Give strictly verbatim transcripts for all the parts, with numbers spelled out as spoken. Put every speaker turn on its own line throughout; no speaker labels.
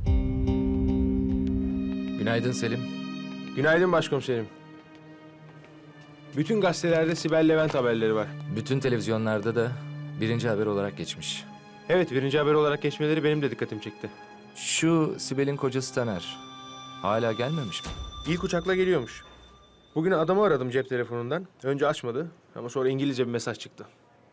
Günaydın Selim.
Günaydın başkomiserim. Bütün gazetelerde Sibel Levent haberleri var.
Bütün televizyonlarda da birinci haber olarak geçmiş.
Evet, birinci haber olarak geçmeleri benim de dikkatimi çekti.
Şu Sibel'in kocası Taner. Hala gelmemiş mi?
İlk uçakla geliyormuş. Bugün adamı aradım cep telefonundan. Önce açmadı ama sonra İngilizce bir mesaj çıktı.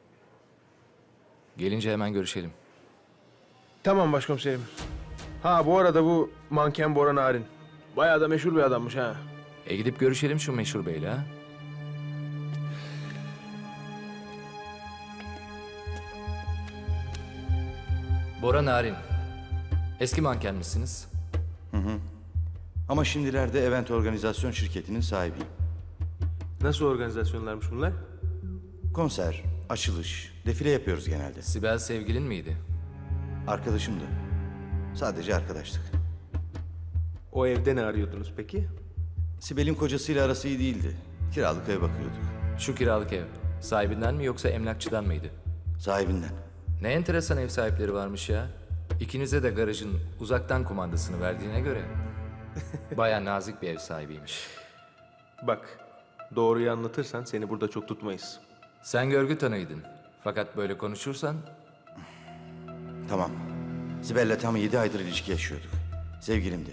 Gelince hemen görüşelim.
Tamam başkomiserim. Ha bu arada bu manken Bora Narin. Bayağı da meşhur bir adammış ha.
E gidip görüşelim şu meşhur beyle ha. Bora Narin. Eski manken misiniz?
Ama şimdilerde event organizasyon şirketinin sahibiyim.
Nasıl organizasyonlarmış bunlar?
Konser, açılış, defile yapıyoruz genelde.
Sibel sevgilin miydi?
Arkadaşımdı. Sadece arkadaştık.
O evde ne arıyordunuz peki?
Sibel'in kocasıyla arası iyi değildi. Kiralık ev bakıyorduk.
Şu kiralık ev. Sahibinden mi yoksa emlakçıdan mıydı?
Sahibinden.
Ne enteresan ev sahipleri varmış ya. İkinize de garajın uzaktan kumandasını verdiğine göre. Baya nazik bir ev sahibiymiş.
Bak, doğruyu anlatırsan seni burada çok tutmayız.
Sen görgü tanıydın. Fakat böyle konuşursan
Tamam. Sibel'le tam yedi aydır ilişki yaşıyorduk. Sevgilimdi.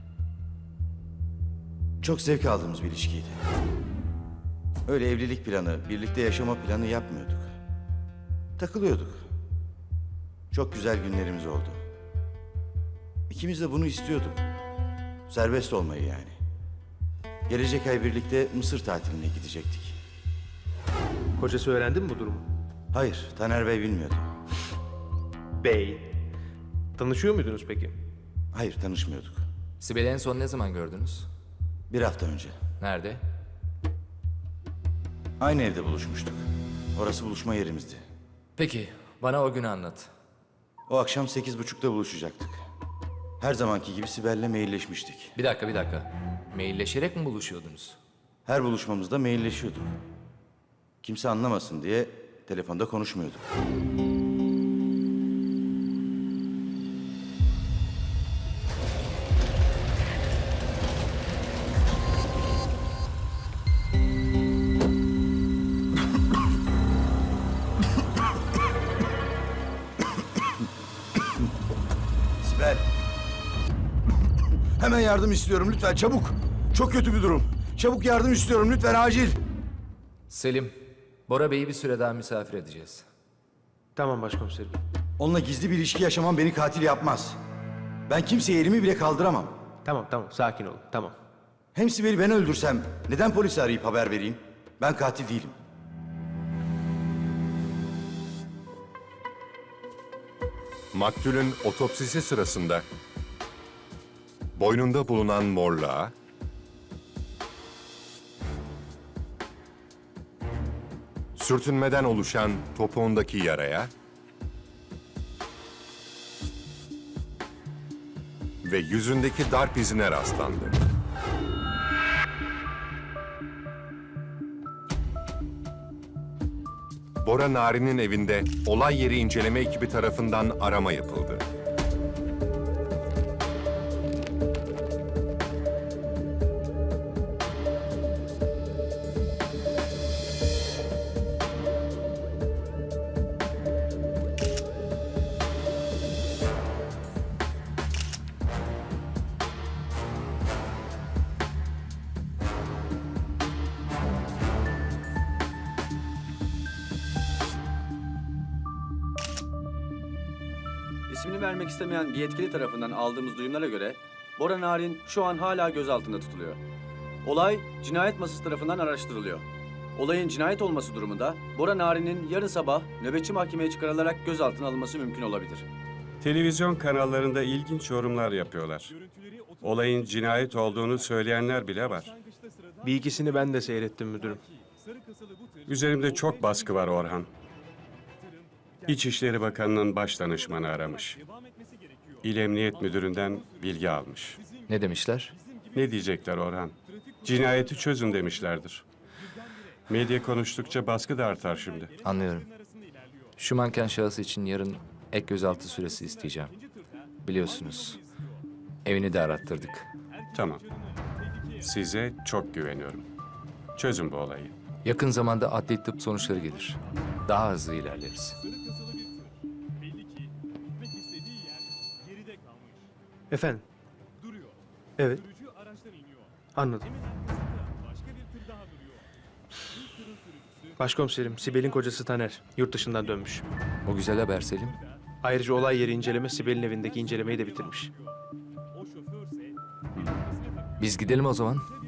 Çok zevk aldığımız bir ilişkiydi. Öyle evlilik planı, birlikte yaşama planı yapmıyorduk. Takılıyorduk. Çok güzel günlerimiz oldu. İkimiz de bunu istiyorduk. Serbest olmayı yani. Gelecek ay birlikte Mısır tatiline gidecektik.
Kocası öğrendi mi bu durumu?
Hayır, Taner Bey bilmiyordu.
Bey. Tanışıyor muydunuz peki?
Hayır, tanışmıyorduk.
Sibel'i en son ne zaman gördünüz?
Bir hafta önce.
Nerede?
Aynı evde buluşmuştuk. Orası buluşma yerimizdi.
Peki, bana o günü anlat.
O akşam sekiz buçukta buluşacaktık. Her zamanki gibi Sibel'le mailleşmiştik.
Bir dakika, bir dakika. Mailleşerek mi buluşuyordunuz?
Her buluşmamızda mailleşiyorduk. Kimse anlamasın diye telefonda konuşmuyorduk. Sibel. Hemen yardım istiyorum lütfen çabuk. Çok kötü bir durum. Çabuk yardım istiyorum lütfen acil.
Selim, Bora Bey'i bir süre daha misafir edeceğiz.
Tamam başkomiserim.
Onunla gizli bir ilişki yaşamam beni katil yapmaz. Ben kimseye elimi bile kaldıramam.
Tamam tamam sakin olun tamam.
Hem Sibel'i ben öldürsem neden polisi arayıp haber vereyim? Ben katil değilim.
Maktulün otopsisi sırasında boynunda bulunan morluğa, sürtünmeden oluşan topuğundaki yaraya ve yüzündeki darp izine rastlandı. Bora Narin'in evinde olay yeri inceleme ekibi tarafından arama yapıldı.
İsmini vermek istemeyen bir yetkili tarafından aldığımız duyumlara göre Bora Narin şu an hala gözaltında tutuluyor. Olay cinayet masası tarafından araştırılıyor. Olayın cinayet olması durumunda Bora Narin'in yarın sabah nöbetçi mahkemeye çıkarılarak gözaltına alınması mümkün olabilir.
Televizyon kanallarında ilginç yorumlar yapıyorlar. Olayın cinayet olduğunu söyleyenler bile var.
Bir ikisini ben de seyrettim müdürüm.
Üzerimde çok baskı var Orhan. İçişleri Bakanı'nın baş danışmanı aramış. İl Emniyet Müdürü'nden bilgi almış.
Ne demişler?
Ne diyecekler Orhan? Cinayeti çözün demişlerdir. Medya konuştukça baskı da artar şimdi.
Anlıyorum. Şu manken şahıs için yarın ek gözaltı süresi isteyeceğim. Biliyorsunuz, Evini de arattırdık.
Tamam. Size çok güveniyorum. Çözün bu olayı.
Yakın zamanda adli tıp sonuçları gelir. Daha hızlı ilerleriz.
Efendim? Evet. Anladım. Başkomiserim, Sibel'in kocası Taner. Yurt dışından dönmüş.
O güzel haber Selim.
Ayrıca olay yeri inceleme Sibel'in evindeki incelemeyi de bitirmiş.
Biz gidelim o zaman.